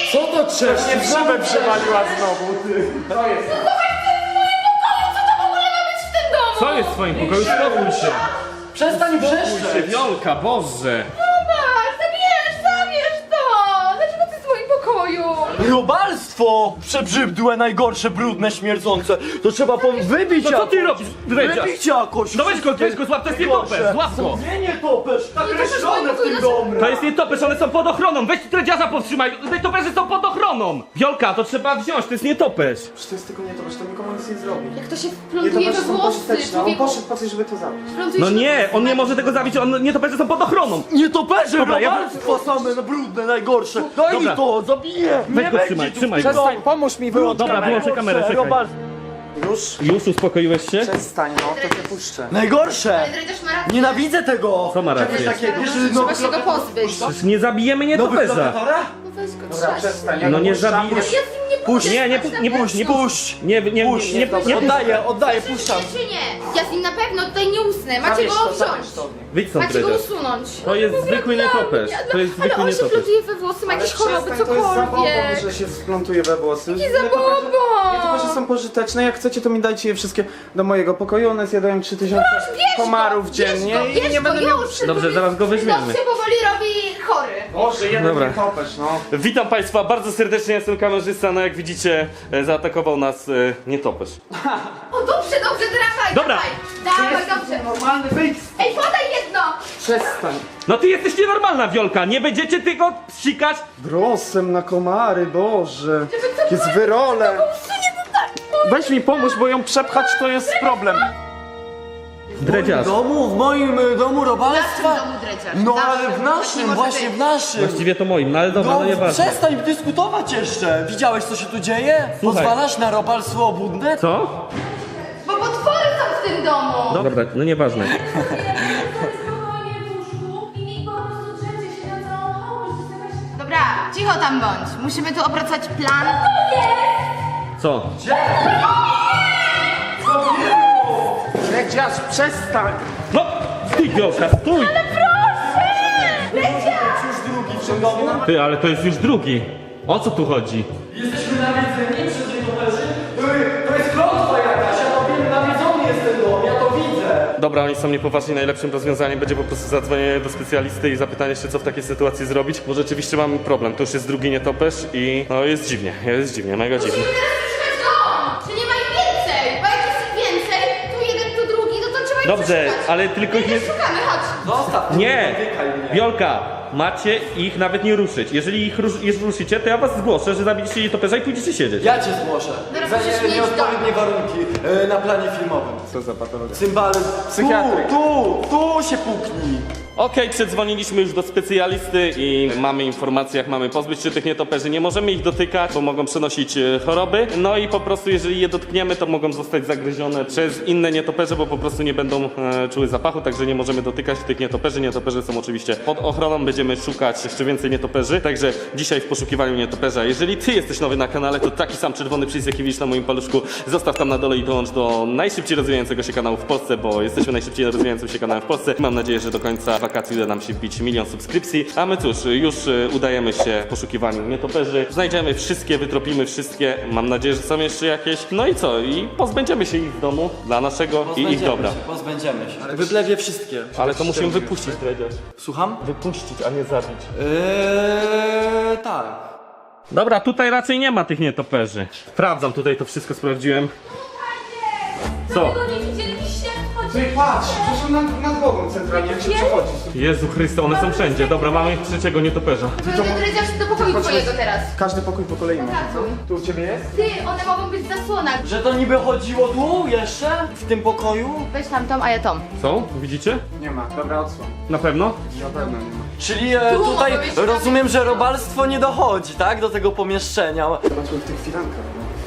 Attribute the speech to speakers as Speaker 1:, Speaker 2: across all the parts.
Speaker 1: Co to trzeszczy?
Speaker 2: Nie szybę przywaliła znowu, ty.
Speaker 1: Co jest?
Speaker 3: Co jest w twoim pokoju? Spokój się.
Speaker 1: Przestań
Speaker 3: Spokój się,
Speaker 1: wrzeszczeć!
Speaker 3: Wiolka, Boże.
Speaker 4: Zabierz to! Dlaczego ty w moim pokoju?
Speaker 1: Robalstwo! Przebrzydłe, najgorsze, brudne, śmierdzące. To trzeba wybić
Speaker 3: No co
Speaker 1: jakoś.
Speaker 3: ty robisz, Dredziarz?
Speaker 1: Wybić jakoś.
Speaker 3: No weź go, złap, to jest nietoperz, złap go.
Speaker 1: Nie topesz, nakreślone w tym domu.
Speaker 3: To jest nietoperz, one są pod ochroną. Weź Dredziarza powstrzymaj, nietoperze są pod ochroną. Wiolka, to trzeba wziąć, to jest nietoperz.
Speaker 2: Przecież to jest tylko nie to, że to nikomu nic nie zrobi.
Speaker 4: Jak to się
Speaker 2: Nie, to
Speaker 4: wplątuje we
Speaker 2: są
Speaker 4: włosy,
Speaker 2: pożyteczne. On
Speaker 4: człowieku.
Speaker 2: poszedł po coś, żeby to zabić.
Speaker 4: Wplątuje
Speaker 3: No
Speaker 4: się
Speaker 3: nie,
Speaker 4: we
Speaker 3: on nie
Speaker 4: włosy.
Speaker 3: może tego zabić, nietoperze są pod ochroną.
Speaker 1: Nie toperze,
Speaker 3: Dobra, ja-
Speaker 1: robalstwo same, no brudne, najgorsze. Daj
Speaker 3: Dobra.
Speaker 1: mi to, zabiję.
Speaker 3: Weź
Speaker 1: Nie
Speaker 3: go
Speaker 1: będzie
Speaker 3: trzymaj,
Speaker 1: tu
Speaker 3: trzymaj
Speaker 1: w tym
Speaker 3: go.
Speaker 1: domu.
Speaker 2: Pomóż mi, wyłącz
Speaker 3: Dobra,
Speaker 2: kamerę.
Speaker 3: wyłączę kamerę, czekaj.
Speaker 1: Robalstwo.
Speaker 2: Już?
Speaker 3: Już uspokoiłeś się?
Speaker 2: Przestań, no, to cię puszczę.
Speaker 1: Najgorsze.
Speaker 4: Ale Dredziarz ma rację.
Speaker 1: Nienawidzę tego.
Speaker 3: Co ma rację?
Speaker 4: Trzeba się go pozbyć.
Speaker 3: Przecież nie zabijemy
Speaker 1: Nowych
Speaker 3: nietoperza.
Speaker 1: lokatora?
Speaker 4: No weź go,
Speaker 2: Dobra,
Speaker 4: trzaść.
Speaker 2: przestań.
Speaker 3: No nie
Speaker 2: puszczam,
Speaker 3: zabijesz.
Speaker 2: puść.
Speaker 4: Ja z nim nie
Speaker 1: Puść.
Speaker 4: pójdę.
Speaker 3: Nie puść, nie
Speaker 1: Puść.
Speaker 3: puść. Nie,
Speaker 1: Puszczam.
Speaker 4: Czy nie? Ja z nim na pewno tutaj nie usnę. Macie
Speaker 2: Zabierz
Speaker 4: go
Speaker 2: to,
Speaker 4: wziąć.
Speaker 2: zabierz to.
Speaker 3: Wyjdź stąd,
Speaker 4: Macie go
Speaker 3: Dredziarz.
Speaker 4: usunąć.
Speaker 3: To jest zwykły nietoperz. To jest zwykły
Speaker 4: Ale on się
Speaker 3: nietoperz.
Speaker 4: wplątuje we włosy, ma jakieś choroby,
Speaker 2: Przestań, to jest zabobon,
Speaker 4: cokolwiek.
Speaker 2: że się splątuje we włosy.
Speaker 4: Jaki zabobon!
Speaker 2: Nietoperze są pożyteczne, jak chcecie to mi dajcie je wszystkie do mojego pokoju, one zjadają 3000 komarów dziennie i nie będę miał...
Speaker 3: Dobrze, zaraz go weźmiemy.
Speaker 4: To się powoli robi chory.
Speaker 2: Boże, jeden
Speaker 3: Dobra.
Speaker 2: nietoperz, no.
Speaker 3: Witam Państwa bardzo serdecznie, jestem kamerzysta, no jak widzicie zaatakował nas nietoperz.
Speaker 4: O dobrze, dawaj,
Speaker 3: Dobra.
Speaker 4: dawaj, dobrze.
Speaker 2: Normalny wyjść.
Speaker 4: Ej, podaj jedno!
Speaker 2: Przestań.
Speaker 3: No ty jesteś nienormalna, Wiolka, nie będziecie tylko psikać.
Speaker 2: Grosem na komary, Boże. Jest wyrole. Weź mi pomóż, bo ją przepchać to jest problem.
Speaker 3: Dredziarz.
Speaker 1: W moim domu robalstwa?
Speaker 4: W domu Dredziarz.
Speaker 1: No
Speaker 4: Zawsze.
Speaker 1: ale w
Speaker 4: Tak nie
Speaker 1: naszym,
Speaker 4: może
Speaker 1: właśnie
Speaker 4: być.
Speaker 1: w naszym.
Speaker 3: Właściwie to moim, no ale dobra, no nieważne.
Speaker 1: Przestań dyskutować jeszcze. Widziałeś co się tu dzieje?
Speaker 3: Słuchaj.
Speaker 1: Pozwalasz na robalstwo obłudne?
Speaker 3: Co?
Speaker 4: Bo potwory są w tym domu.
Speaker 3: Dobra, no nieważne.
Speaker 4: Dobra, cicho tam bądź. Musimy tu opracować plan.
Speaker 3: Co?
Speaker 2: Dredziarz, przestań.
Speaker 3: No, stój Wiolka, stój!
Speaker 1: Drugi w tym domu.
Speaker 3: Ty, ale to jest już drugi. O co tu chodzi?
Speaker 1: Jesteśmy nawiedzeni przez nietoperzy? To jest klątwa jakaś, ja to wiem, nawiedzony jest ten dom, ja to widzę.
Speaker 3: Dobra, oni są niepoważni, najlepszym rozwiązaniem będzie po prostu zadzwonienie do specjalisty i zapytanie się, co w takiej sytuacji zrobić, bo rzeczywiście mamy problem. To już jest drugi nietoperz i no jest dziwnie, mega dziwnie.
Speaker 4: Musimy teraz szukać dom. Czy nie ma ich więcej? Bo jak jest ich więcej, tu jeden, tu drugi, no to trzeba ich
Speaker 3: Dobrze,
Speaker 4: przeszukać.
Speaker 3: ale tylko ich nie...
Speaker 4: Szukamy, chodź.
Speaker 1: Zostaw mnie,
Speaker 3: Nie!
Speaker 1: dotykaj mnie.
Speaker 3: Wiolka, macie ich nawet nie ruszyć. Jeżeli ich ruszycie, to ja was zgłoszę, że zabiliście nietoperza i pójdziecie siedzieć.
Speaker 1: Ja cię zgłoszę.
Speaker 4: Dobra,
Speaker 1: Za
Speaker 4: przecież mieć
Speaker 1: nieodpowiednie warunki na planie filmowym.
Speaker 2: Co za patologia.
Speaker 1: Cymbale,
Speaker 2: Psychiatryk.
Speaker 1: tu się puknij.
Speaker 3: Okej, przedzwoniliśmy już do specjalisty i mamy informacje, jak mamy pozbyć się tych nietoperzy. Nie możemy ich dotykać, bo mogą przenosić choroby. No i po prostu, jeżeli je dotkniemy, to mogą zostać zagryzione przez inne nietoperze, bo po prostu nie będą czuły zapachu, także nie możemy dotykać tych nietoperzy. Nietoperze są oczywiście pod ochroną, będziemy szukać jeszcze więcej nietoperzy. Także dzisiaj w poszukiwaniu nietoperza. Jeżeli ty jesteś nowy na kanale, to taki sam czerwony przycisk, jaki widzisz na moim paluszku, zostaw tam na dole i dołącz do najszybciej rozwijającego się kanału w Polsce, bo jesteśmy najszybciej rozwijającym się kanałem w Polsce. Mam nadzieję, że do końca wakacji uda nam się wbić 1 000 000 subskrypcji. A my cóż, już udajemy się w poszukiwaniu nietoperzy. Znajdziemy wszystkie, wytropimy wszystkie. Mam nadzieję, że są jeszcze jakieś. No i co? I pozbędziemy się ich w domu dla naszego i ich dobra.
Speaker 1: Pozbędziemy się. Wyblewie wszystkie.
Speaker 3: Ale to musimy wypuścić, Dredziarz.
Speaker 1: Słucham?
Speaker 3: Wypuścić, a nie zabić.
Speaker 1: Tak.
Speaker 3: Dobra, tutaj raczej nie ma tych nietoperzy. Sprawdzam, tutaj to wszystko sprawdziłem. Co?
Speaker 4: nie widzieliście?
Speaker 2: Ty patrz, przecież on nad głową centralnie, jak się przechodzi.
Speaker 3: Jezu Chryste, one są wszędzie. Dobra, mamy trzeciego nietoperza.
Speaker 4: Dredziarz do pokoju twojego teraz.
Speaker 2: Każdy pokój po kolei ma. Tu u ciebie jest?
Speaker 4: Ty, one mogą być w zasłonach.
Speaker 1: Że to niby chodziło tu jeszcze? W tym pokoju?
Speaker 4: Weź tam tą, a ja tą.
Speaker 3: Są? Widzicie?
Speaker 2: Nie ma, dobra odsłon.
Speaker 3: Na pewno?
Speaker 2: Na pewno nie ma.
Speaker 1: Czyli
Speaker 4: Tu
Speaker 1: tutaj
Speaker 4: mogą być
Speaker 1: rozumiem, że robalstwo nie dochodzi, tak? Do tego pomieszczenia.
Speaker 2: Zobaczmy w tych filankach.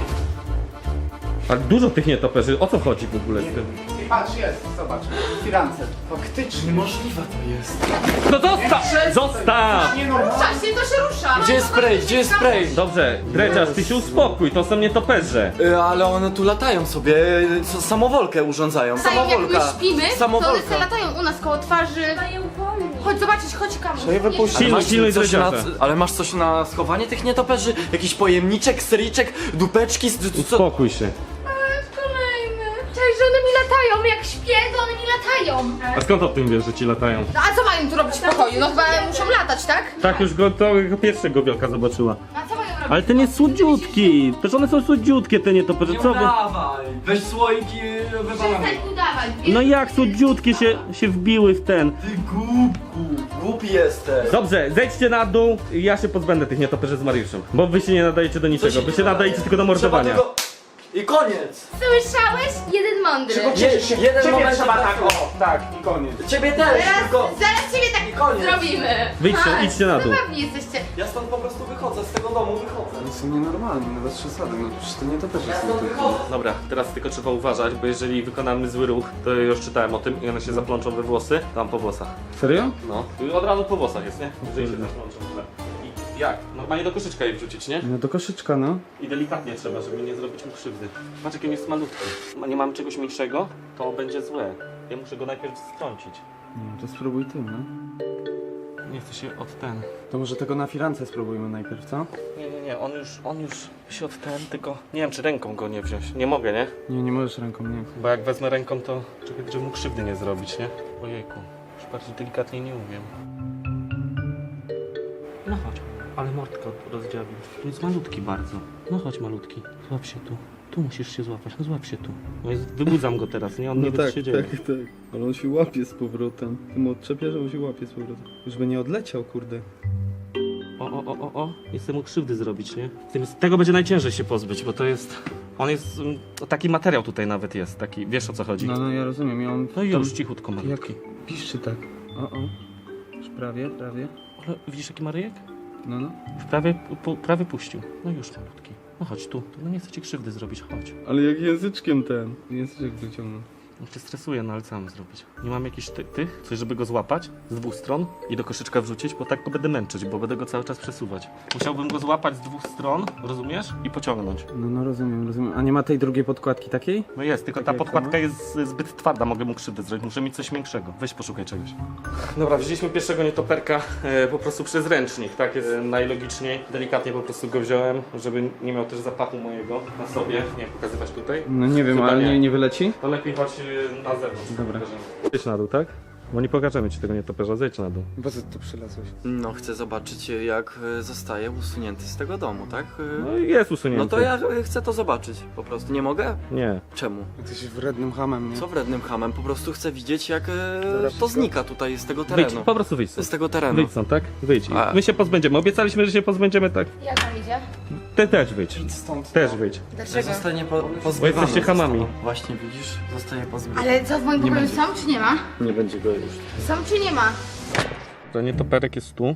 Speaker 3: Ale dużo tych nietoperzy. O co chodzi w ogóle z tym?
Speaker 2: I patrz, jest, zobacz. W filance. Faktycznie.
Speaker 1: Niemożliwe to jest.
Speaker 3: No zostaw! Zostaw!
Speaker 2: Nie normalne.
Speaker 4: Rusza się, to się rusza.
Speaker 1: Gdzie jest spray? Gdzie jest spray?
Speaker 3: Dobrze, Dredziarz, ty się uspokój, to są nietoperze.
Speaker 1: Ale one tu latają sobie, samowolkę urządzają.
Speaker 4: Jak my
Speaker 1: Samowolka.
Speaker 4: śpimy, to one
Speaker 1: Samowolka.
Speaker 4: se latają u nas koło twarzy. Chodź zobaczyć, chodź kamerę.
Speaker 2: Trzeba je wypuścić.
Speaker 3: Pilnuj, pilnuj
Speaker 1: coś na,
Speaker 3: Dredziarza.
Speaker 1: ale masz coś na schowanie tych nietoperzy? Jakiś pojemniczek, stericzek, dupeczki? Co?
Speaker 3: Uspokój się.
Speaker 4: Kolejny. Cześć, że one mi latają, jak śpię, to one mi latają.
Speaker 3: A skąd o tym wiesz, że ci latają?
Speaker 4: No a co mają tu robić w pokoju? No chyba muszą latać, tak?
Speaker 3: Tak, już go to pierwszego Wielka zobaczyła.
Speaker 4: A co mają robić?
Speaker 3: Ale ten jest słodziutki. Przecież one są słodziutkie, te nietoperze.
Speaker 1: Nie
Speaker 3: Co wy?
Speaker 1: udawaj. Weź słoiki, wywalamy.
Speaker 4: Przestań udawać,
Speaker 3: No jak słodziutkie się wbiły w ten.
Speaker 1: Ty głupku, głupi jesteś.
Speaker 3: Dobrze, zejdźcie na dół i ja się pozbędę tych nietoperzy z Mariuszem. Bo wy się nie nadajecie do niczego, wy się nadajecie tylko do mordowania.
Speaker 1: Trzeba tylko... I koniec.
Speaker 4: Słyszałeś? Jeden mądry.
Speaker 1: Jeden moment
Speaker 2: trzeba tak,
Speaker 1: brakło.
Speaker 2: o, tak, i koniec.
Speaker 1: Ciebie też, tylko...
Speaker 4: Zaraz ciebie tak
Speaker 1: koniec.
Speaker 4: zrobimy.
Speaker 3: Wyjdźcie,
Speaker 4: Ha,
Speaker 3: idźcie na dół.
Speaker 4: Zabawni jesteście.
Speaker 1: Ja stąd po prostu wychodzę, z tego domu wychodzę.
Speaker 2: Oni są nienormalni, no bez przesady, no przecież to nie to też
Speaker 1: Ja
Speaker 2: jest
Speaker 1: stąd wychodzę.
Speaker 3: Dobra, teraz tylko trzeba uważać, bo jeżeli wykonamy zły ruch, to już czytałem o tym i one się zaplączą we włosy, tam po włosach.
Speaker 2: Serio?
Speaker 3: No, i od razu po włosach jest, nie? Jeżeli się zaplączą źle. I jak? Normalnie do koszyczka je wrzucić, nie?
Speaker 2: No do koszyczka, no.
Speaker 3: I delikatnie trzeba, żeby nie zrobić mu krzywdy. Patrz, jaki jest malutki. Nie mamy czegoś mniejszego, to będzie złe. Ja muszę go najpierw strącić.
Speaker 2: Nie, to spróbuj ty, no.
Speaker 3: Nie chcę się od ten.
Speaker 2: To może tego na firance spróbujmy najpierw, co?
Speaker 3: Nie, on już się od ten, tylko nie wiem, czy ręką go nie wziąć. Nie mogę, nie?
Speaker 2: Nie, nie możesz ręką, nie.
Speaker 3: Bo jak wezmę ręką, to czekaj, żeby mu krzywdy nie zrobić, nie? Ojejku, już bardziej delikatnie nie umiem. No chodź, ale mordkę rozdziawił. To jest malutki bardzo. No chodź malutki, złap się tu. Tu musisz się złapać, no złap się tu. No wybudzam go teraz, nie? On nie wie, co się dzieje.
Speaker 2: tak. Ale on się łapie z powrotem. Ty mu odczepiasz, a on się łapie z powrotem. Już by nie odleciał, kurde.
Speaker 3: O, nie chcę mu krzywdy zrobić, nie? Tego będzie najciężej się pozbyć, bo to jest... On jest... Taki materiał tutaj nawet jest, taki, wiesz o co chodzi.
Speaker 2: No, ja rozumiem, ja on...
Speaker 3: No i już, cichutko
Speaker 2: Jak
Speaker 3: malutki.
Speaker 2: piszczy tak. O. Już prawie.
Speaker 3: Ale widzisz jaki Maryjek?
Speaker 2: No.
Speaker 3: Już prawie puścił. No już malutki. No chodź tu. No nie chcę ci krzywdy zrobić, chodź.
Speaker 2: Ale jak języczkiem ten. Języczek wyciągnął.
Speaker 3: On się stresuje, no ale co mam zrobić? Nie mam jakichś tych, coś żeby go złapać z dwóch stron i do koszyczka wrzucić, bo tak go będę męczyć, bo będę go cały czas przesuwać. Musiałbym go złapać z dwóch stron, rozumiesz? I pociągnąć.
Speaker 2: No, rozumiem. A nie ma tej drugiej podkładki takiej?
Speaker 3: No jest, tylko ta
Speaker 2: Tak jak
Speaker 3: podkładka
Speaker 2: to,
Speaker 3: jest zbyt twarda, mogę mu krzywdę zrobić, muszę mieć coś większego. Weź poszukaj czegoś. Dobra, wzięliśmy pierwszego nietoperka po prostu przez ręcznik, tak jest najlogiczniej. Delikatnie po prostu go wziąłem, żeby nie miał też zapachu mojego na sobie. Nie pokazywać tutaj.
Speaker 2: No nie wiem,
Speaker 3: Chyba
Speaker 2: ale
Speaker 3: nie.
Speaker 2: nie wyleci?
Speaker 3: To lepiej chodź na zewnątrz.
Speaker 2: Dobra.
Speaker 3: Zejdź na dół, tak? Bo nie pokażemy ci tego nietoperza, zejdź na dół.
Speaker 2: Po co tu przylazłeś?
Speaker 1: No, chcę zobaczyć, jak zostaje usunięty z tego domu, tak?
Speaker 3: No i jest usunięty.
Speaker 1: No to ja chcę to zobaczyć, po prostu. Nie mogę?
Speaker 3: Nie.
Speaker 1: Czemu?
Speaker 2: Jesteś wrednym hamem, nie?
Speaker 1: Co wrednym hamem? Po prostu chcę widzieć, jak to
Speaker 2: wszystko.
Speaker 1: znika tutaj z tego
Speaker 3: Wyjdź,
Speaker 1: terenu.
Speaker 3: po prostu wyjdź
Speaker 1: Z
Speaker 3: stąd.
Speaker 1: tego terenu.
Speaker 3: Wyjdź stąd, tak? Wyjdź.
Speaker 1: A-
Speaker 3: My się pozbędziemy. Obiecaliśmy, że się pozbędziemy, tak?
Speaker 4: Jak tam idzie?
Speaker 3: Ty też wyjdź.
Speaker 2: Stąd.
Speaker 3: Też wyjdź.
Speaker 4: Dlaczego?
Speaker 1: Zostanie pozbywany.
Speaker 3: Bo jesteście hamami.
Speaker 1: zostało. Właśnie, widzisz? Zostaje pozbywany.
Speaker 4: Ale co, w moim pokoju są czy nie ma?
Speaker 1: Nie będzie go już.
Speaker 4: Są czy nie ma?
Speaker 3: To nietoperek jest tu.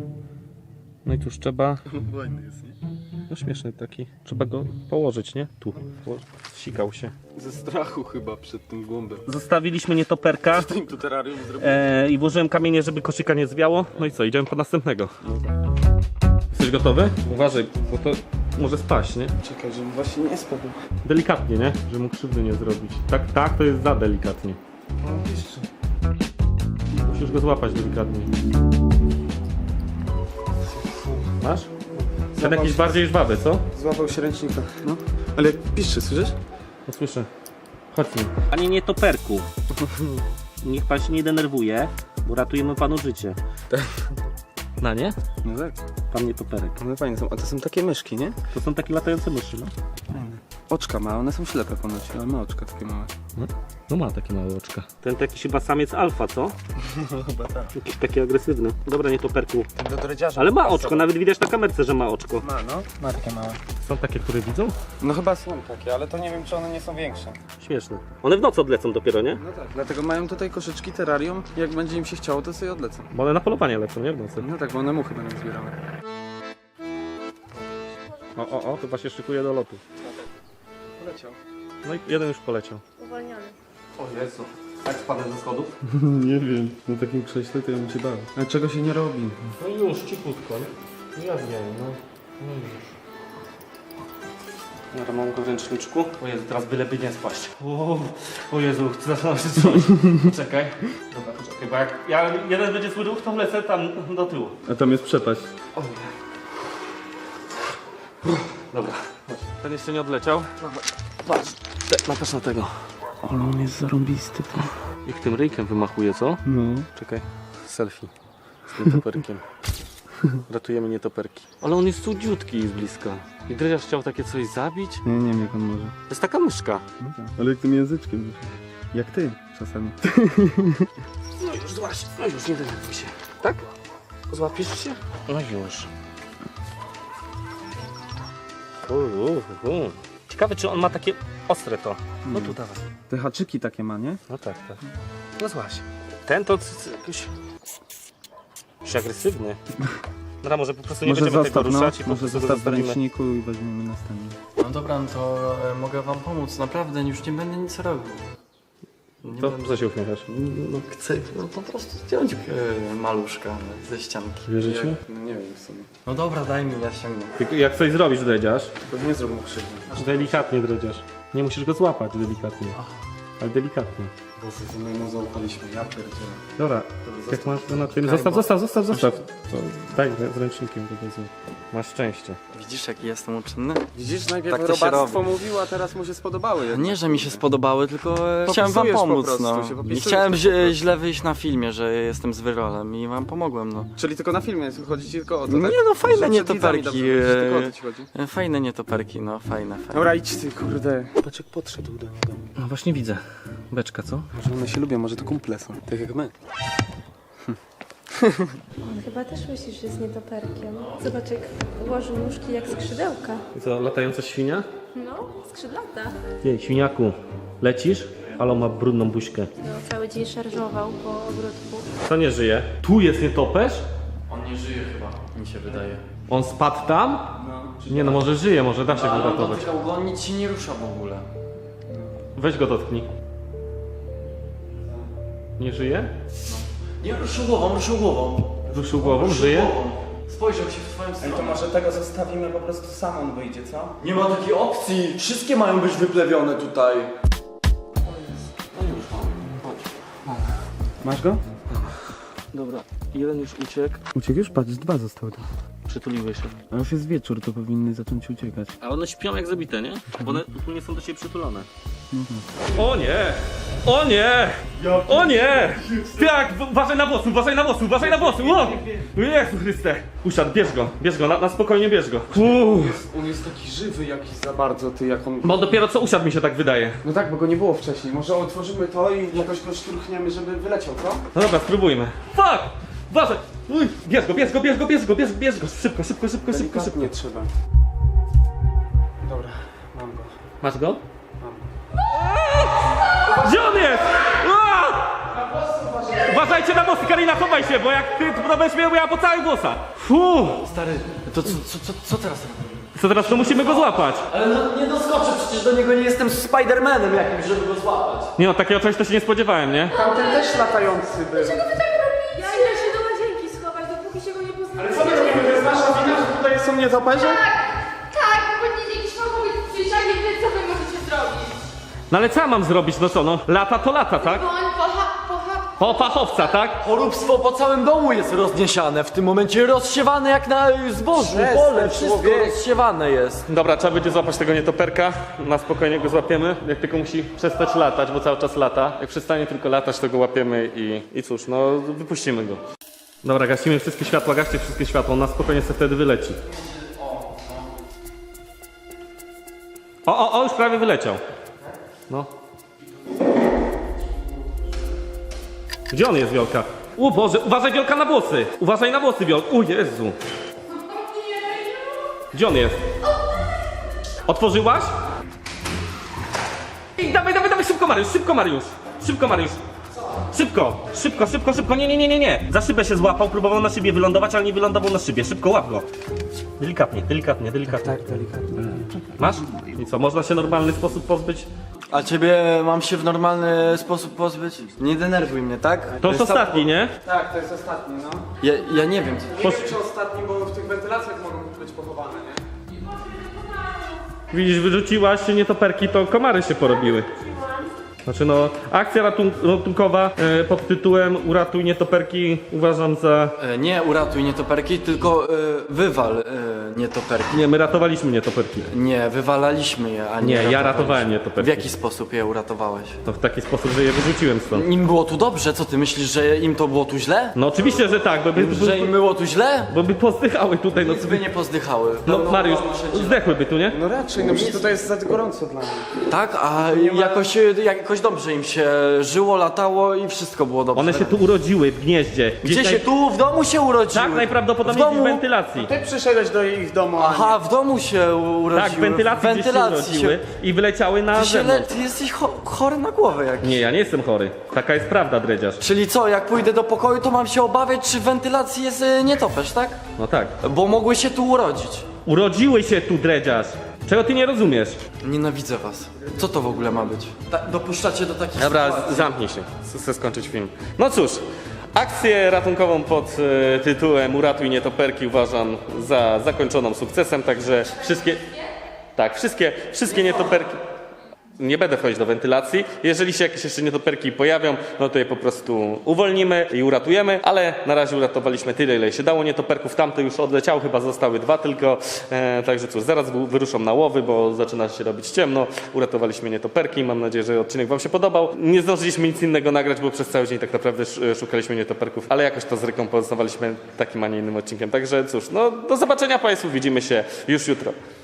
Speaker 3: No i tuż trzeba...
Speaker 2: Fajny jest, nie?
Speaker 3: No śmieszny taki. Trzeba go położyć, nie? Tu. Sikał się.
Speaker 2: Ze strachu chyba przed tym głąbem.
Speaker 3: Zostawiliśmy nietoperka
Speaker 2: Im tu terrarium zrobił.
Speaker 3: i włożyłem kamienie, żeby koszyka nie zwiało. No i co, idziemy po następnego. Jesteś gotowy? Uważaj, bo to może spaść, nie?
Speaker 2: Czekaj, żebym właśnie nie spadł.
Speaker 3: Delikatnie, nie? Żeby mu krzywdy nie zrobić. Tak, to jest za delikatnie.
Speaker 2: O, piszczy.
Speaker 3: Musisz go złapać delikatnie. Masz? Ten jakiś bardziej żwawy, co?
Speaker 2: Złapał się ręcznika, no. Ale jak piszczy, słyszysz?
Speaker 3: No słyszę. Chodź mi. Panie nietoperku. Niech pan się nie denerwuje, bo ratujemy panu życie. No nie?
Speaker 2: No tak.
Speaker 3: Pan nietoperek.
Speaker 2: One fajne są. A to są takie myszki, nie?
Speaker 3: To są takie latające myszy, no.
Speaker 2: Fajne. Oczka ma, one są ślepe ponoć, ale ma oczka takie małe.
Speaker 3: No ma takie małe oczka. Ten to jakiś chyba samiec alfa, co?
Speaker 2: No chyba tak.
Speaker 3: Jakiś taki agresywny. Dobra, nietoperku.
Speaker 2: Ten do dredziarza.
Speaker 3: Ale ma oczko, nawet widać na kamerce, że ma oczko.
Speaker 2: Ma, no. Ma takie małe.
Speaker 3: Są takie, które widzą?
Speaker 2: No chyba są takie, ale to nie wiem, czy one nie są większe.
Speaker 3: Śmieszne. One w nocy odlecą dopiero, nie?
Speaker 2: No tak. Dlatego mają tutaj koszyczki, terrarium. Jak będzie im się chciało, to sobie odlecą.
Speaker 3: Bo one na polowanie lecą, nie? W nocy.
Speaker 2: No tak, bo one muchy będą zbierały.
Speaker 3: O, chyba się szykuje do lotu.
Speaker 2: Poleciał.
Speaker 3: No i jeden już poleciał.
Speaker 4: Uwolniony.
Speaker 3: O Jezu. Tak spadłem ze schodów?
Speaker 2: Nie wiem. Na takim krześle to ja bym się bał. Ale czego się nie robi?
Speaker 3: No już, cichutko. Ja wiem, no. Dobra, mam go w ręczniczku. O Jezu, teraz byleby nie spaść. O Jezu, zaczynam się trzymać. Poczekaj. Dobra, poczekaj, bo jak jeden będzie swój ruch, to lecę tam do tyłu.
Speaker 2: A tam jest przepaść.
Speaker 3: O nie. Dobra, chodź. Ten jeszcze nie odleciał. Dobra, patrz na tego.
Speaker 2: Ale on jest zarąbisty.
Speaker 3: Jak tym ryjkiem wymachuje, co?
Speaker 2: No.
Speaker 3: Czekaj, selfie z nietoperkiem. Ratujemy nietoperki. Ale on jest cudziutki z bliska. I Dreziarz chciał takie coś zabić?
Speaker 2: Nie wiem jak on może.
Speaker 3: To jest taka myszka.
Speaker 2: No tak. Ale jak tym języczkiem. Jak ty czasami.
Speaker 3: No już, złaś. No już, nie denerwuj się. Tak? Złapiesz się? No już. Ciekawe, czy on ma takie ostre to. No tu dawaj.
Speaker 2: Te haczyki takie ma, nie?
Speaker 3: No tak. No złaś. Ten to jakiś agresywny. Dobra, może po prostu nie będziemy tego ruszać i po
Speaker 2: może
Speaker 3: prostu go
Speaker 2: zostaw w
Speaker 3: zostawimy.
Speaker 2: ręczniku i weźmiemy następny.
Speaker 1: No dobra, no to mogę wam pomóc, naprawdę, już nie będę nic robił. Nie
Speaker 3: To
Speaker 1: będę...
Speaker 3: co się uśmiechasz?
Speaker 1: No chcę po prostu zdjąć maluszka ze ścianki.
Speaker 3: Wierzysz mi?
Speaker 2: No nie wiem w sumie.
Speaker 1: No dobra, daj mi, ja ściągnę.
Speaker 3: Jak coś zrobisz, Dredziarz,
Speaker 2: Tylko nie zrób mu krzywdy.
Speaker 3: delikatnie Dredziarz. Nie musisz go złapać delikatnie. Ale delikatnie.
Speaker 2: Bo ze mną zaufaliśmy, ja pierdzielę.
Speaker 3: Dobra, jak masz go na tym... Zostaw. To daj z ręcznikiem go wezmę. Masz szczęście.
Speaker 1: Widzisz, jaki jestem uczynny?
Speaker 2: Widzisz, najpierw
Speaker 1: Tak to się
Speaker 2: robactwo
Speaker 1: robi.
Speaker 2: mówił, a teraz mu się spodobały.
Speaker 1: Nie, że mi się spodobały, tylko chciałem wam
Speaker 2: Popisujesz po
Speaker 1: pomóc,
Speaker 2: prostu,
Speaker 1: no.
Speaker 2: się
Speaker 1: Nie
Speaker 2: popisujesz
Speaker 1: chciałem
Speaker 2: po prostu.
Speaker 1: źle wyjść na filmie, że jestem z wyrolem i wam pomogłem, no.
Speaker 2: Czyli tylko na filmie, chodzi ci tylko o to,
Speaker 1: Nie,
Speaker 2: tak?
Speaker 1: no, fajne
Speaker 2: Że przed widzami
Speaker 1: nietoperki,
Speaker 2: dobrze wyjść, tylko o to ci chodzi.
Speaker 1: Fajne nietoperki, no, fajne.
Speaker 2: Dobra, idź ty, kurde.
Speaker 3: Patrz jak podszedł do niego. No właśnie widzę. Beczka, co?
Speaker 2: Może one się lubią, może to kumple są, tak jak my.
Speaker 5: On chyba też myśli, że jest nietoperkiem. Zobacz, jak ułożył nóżki jak skrzydełka.
Speaker 3: I co, latająca świnia?
Speaker 5: No, skrzydlata.
Speaker 3: Jej, świniaku, lecisz? Ale on ma brudną buźkę.
Speaker 5: No, cały dzień szarżował po ogródku.
Speaker 3: Co nie żyje? Tu jest nietoperz?
Speaker 1: On nie żyje chyba, mi się wydaje.
Speaker 3: On spadł tam? Nie no, może żyje, może da się go
Speaker 1: Ale on
Speaker 3: uratować.
Speaker 1: dotykał go, on nic się nie rusza w ogóle.
Speaker 3: Weź go dotknij. Nie żyje?
Speaker 1: Nie, ruszył głową.
Speaker 3: Ruszył głową, żyje?
Speaker 1: Spojrzał się w twoją stronę.
Speaker 2: To może tego zostawimy, po prostu sam on wyjdzie, co?
Speaker 1: Nie ma takiej opcji! Wszystkie mają być wyplewione tutaj.
Speaker 2: Masz go?
Speaker 3: Dobra, jeden już uciekł.
Speaker 2: Uciekł już? Patrz, 2 zostały tam.
Speaker 3: Przytuliły się.
Speaker 2: A już jest wieczór, to powinny zacząć uciekać.
Speaker 3: A one śpią jak zabite, nie? Bo one nie są do siebie przytulone. O nie! O nie! O nie! Tak, uważaj na włosy, uważaj na włosy, uważaj na włosy! O! Jezu Chryste! Usiadł, bierz go, na spokojnie bierz go.
Speaker 2: On jest taki żywy jakiś za bardzo, ty, jak on...
Speaker 3: Bo dopiero co usiadł mi się tak wydaje.
Speaker 2: No tak, bo go nie było wcześniej. Może otworzymy to i jakoś go szturchniemy, żeby wyleciał, co?
Speaker 3: No dobra, spróbujmy. Fuck! Uważaj! Uj, bierz go! Szybko.
Speaker 2: Delikatnie trzeba. Dobra, mam go.
Speaker 3: Masz go? Gdzie on jest? Uważajcie na włosy, Karina, chowaj się, bo jak ty to będziesz miał ja po całych włosach.
Speaker 1: Stary, to co teraz?
Speaker 3: Co teraz, to musimy go złapać.
Speaker 1: Ale no, nie doskoczę, przecież do niego nie jestem Spidermanem jakimś, żeby go złapać.
Speaker 3: Nie no, takiego czegoś to się nie spodziewałem, nie?
Speaker 2: Tamten też latający był.
Speaker 5: Ja idę się do łazienki schować, dopóki się go nie poznamy.
Speaker 2: Co my robimy? To jest nasza wina, że tutaj są nietoperze?
Speaker 4: Tak, bo powinien jakiś fachowiec przyjść, a nie wy, co wy możecie zrobić.
Speaker 3: No ale co ja mam zrobić, no co, no? Lata to lata, tak?
Speaker 4: Dzwoń
Speaker 3: Po fachowca, tak?
Speaker 1: Choróbstwo po całym domu jest rozniesiane, w tym momencie rozsiewane jak na zbożu, pole, wszystko rozsiewane jest.
Speaker 3: Dobra, trzeba będzie złapać tego nietoperka. Na spokojnie go złapiemy. Jak tylko musi przestać latać, bo cały czas lata. Jak przestanie tylko latać, to go łapiemy i cóż, no wypuścimy go. Dobra, gasimy wszystkie światła, gaście wszystkie światła. On na spokojnie sobie wtedy wyleci. O, już prawie wyleciał. No. Gdzie on jest, Wiolka? O Boże, uważaj, Wiolka, na włosy! Uważaj na włosy, Wiolka. O Jezu. Gdzie on jest? Otworzyłaś? I dawaj, szybko Mariusz. Szybko, nie. Za szybę się złapał, próbował na szybie wylądować, ale nie wylądował na szybie. Szybko, łap go. Delikatnie.
Speaker 2: Tak, delikatnie.
Speaker 3: Masz? I co, można się w normalny sposób pozbyć
Speaker 6: A ciebie mam się w normalny sposób pozbyć? Nie denerwuj mnie, tak?
Speaker 3: To jest ostatni, nie?
Speaker 2: Tak, to jest ostatni, no.
Speaker 6: Ja nie wiem.
Speaker 2: Nie wiem czy ostatni, bo w tych wentylacjach mogą być pochowane, nie?
Speaker 3: Widzisz, wyrzuciłaś nietoperki, to komary się porobiły. Znaczy no, akcja ratunkowa pod tytułem Uratuj nietoperki uważam za...
Speaker 6: Nie uratuj nietoperki, tylko wywal nietoperki.
Speaker 3: Nie, my ratowaliśmy nietoperki.
Speaker 6: Nie, wywalaliśmy je, a nie
Speaker 3: Nie, ja
Speaker 6: ratowaliśmy.
Speaker 3: ratowałem
Speaker 6: W
Speaker 3: nietoperki.
Speaker 6: jaki sposób je uratowałeś?
Speaker 3: To w taki sposób, że je wyrzuciłem stąd.
Speaker 6: Im było tu dobrze, co ty myślisz, że im to było tu źle?
Speaker 3: No oczywiście, że tak,
Speaker 6: Że im było tu źle?
Speaker 3: bo by pozdychały tutaj, no
Speaker 6: Nic by nie pozdychały.
Speaker 3: No
Speaker 6: Pełno
Speaker 3: Mariusz,
Speaker 6: choroby wszędzie.
Speaker 3: zdechłyby tu, nie?
Speaker 2: No raczej, no przecież tutaj jest za gorąco dla mnie.
Speaker 6: Tak, a jakoś dobrze im się żyło, latało i wszystko było dobrze.
Speaker 3: One się tu urodziły w gnieździe.
Speaker 6: Gdzie się tu? W domu się urodziły?
Speaker 3: Tak, najprawdopodobniej
Speaker 6: W
Speaker 3: w
Speaker 6: domu?
Speaker 3: wentylacji.
Speaker 2: Ty przyszedłeś do ich domu, a nie.
Speaker 6: Aha, w domu się urodziły.
Speaker 3: Tak, w wentylacji gdzieś się urodziły i wyleciały na zewnątrz.
Speaker 6: Ty jesteś chory na głowę jakiś.
Speaker 3: Nie, ja nie jestem chory. Taka jest prawda, dredziarz.
Speaker 6: Czyli co, jak pójdę do pokoju, to mam się obawiać, czy w wentylacji jest nietoperz, tak?
Speaker 3: No tak.
Speaker 6: Bo mogły się tu urodzić.
Speaker 3: Urodziły się tu, dredziarz. Czego ty nie rozumiesz?
Speaker 6: Nienawidzę was. Co to w ogóle ma być? Dopuszczacie do takich
Speaker 3: Dobra,
Speaker 6: sytuacji?
Speaker 3: zamknij się. Chcę skończyć film. No cóż, akcję ratunkową pod tytułem Uratuj nietoperki uważam za zakończoną sukcesem, także wszystkie... Tak, wszystkie nietoperki... Nie będę wchodzić do wentylacji. Jeżeli się jakieś jeszcze nietoperki pojawią, no to je po prostu uwolnimy i uratujemy, ale na razie uratowaliśmy tyle, ile się dało nietoperków. Tamte już odleciały, chyba zostały 2 tylko. Także cóż, zaraz wyruszą na łowy, bo zaczyna się robić ciemno. Uratowaliśmy nietoperki. Mam nadzieję, że odcinek wam się podobał. Nie zdążyliśmy nic innego nagrać, bo przez cały dzień tak naprawdę szukaliśmy nietoperków, ale jakoś to zrekompensowaliśmy takim, a nie innym odcinkiem. Także cóż, no do zobaczenia państwu, widzimy się już jutro.